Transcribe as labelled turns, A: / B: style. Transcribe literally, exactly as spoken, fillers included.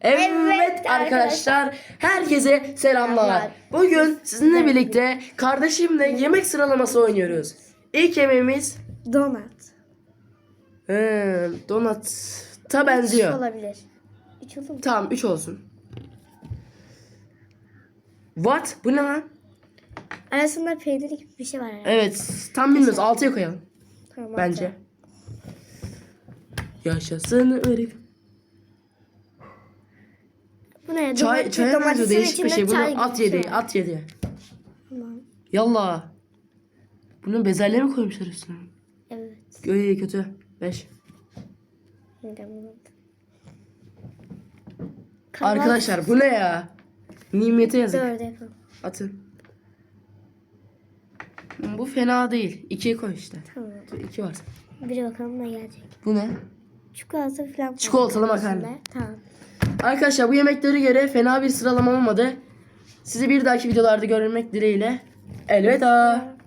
A: Evet,
B: Evet
A: arkadaşlar, herkese selamlar.
B: Selamlar.
A: Bugün sizinle birlikte kardeşimle yemek sıralaması oynuyoruz. İlk yemeğimiz
B: Donat.
A: ee, donata
B: Üç
A: benziyor.
B: olabilir. Üç olur mu?
A: Tamam, üç olsun. What? Bu ne lan?
B: Arasında peynir gibi bir şey var herhalde.
A: Evet, tam bilmiyoruz. altıya koyalım
B: Tamam,
A: bence.
B: altı.
A: Yaşasın ırk.
B: Bu ne?
A: Çay,
B: Domates-
A: çaya benziyor,
B: domatesin
A: değişik bir
B: içinde
A: şey. Bunu
B: çay gibi
A: at
B: bir şey
A: yedi,
B: var.
A: at yedi.
B: Tamam.
A: Yallah. Bunun bezelye mi koymuşlar üstüne?
B: Evet.
A: Öyle kötü. beş. Arkadaşlar bu ne ya? Nimete yazık.
B: Dört yapalım.
A: Atın. Bu fena değil. ikiye koy işte.
B: Tamam.
A: iki var.
B: Bir bakalım ne gelecek.
A: Bu ne?
B: Çikolata falan.
A: Çikolatalı
B: koydum
A: makarna.
B: içinde. Tamam.
A: Arkadaşlar bu yemeklere göre fena bir sıralama olmadı. Sizi bir dahaki videolarda görmek dileğiyle. Elveda.